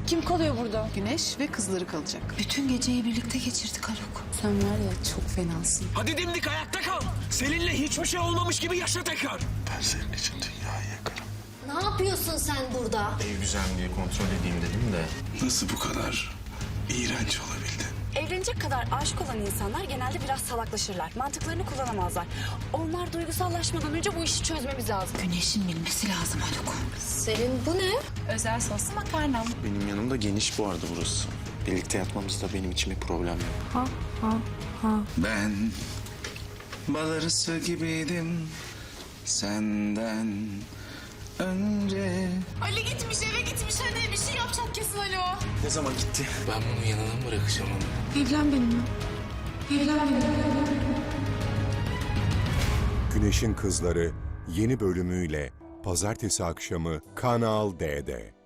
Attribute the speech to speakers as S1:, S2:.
S1: Kim kalıyor burada?
S2: Güneş ve kızları kalacak.
S1: Bütün geceyi birlikte geçirdik Haluk.
S3: Sen var ya çok fenasın.
S4: Hadi dimdik ayakta kal. Seninle hiçbir şey olmamış gibi yaşa tekrar.
S5: Ben senin için dünyayı yakarım.
S6: Ne yapıyorsun sen burada?
S5: Ev güzelliği kontrol edeyim dedim de.
S7: Nasıl bu kadar iğrenç olabildin?
S8: Evlenecek kadar aşık olan insanlar genelde biraz salaklaşırlar. Mantıklarını kullanamazlar. Onlar duygusallaşmadan önce bu işi çözmemiz lazım.
S1: Güneş'in bilmesi lazım Haluk.
S6: Selin bu ne?
S1: Özel soslu makarnam.
S5: Benim yanımda geniş bu arada burası. Birlikte yatmamızda benim için bir problem yok.
S7: Ben bal arısı gibiydim senden önce.
S1: Ali gitmiş eve gitmiş hadi bir şey yapacak kesin Alo.
S5: Ne zaman gitti?
S4: Ben bunun yanına mı bırakacağım onu?
S1: Evlen benimle. Evlen benimle.
S9: Güneşin Kızları yeni bölümüyle pazartesi akşamı Kanal D'de.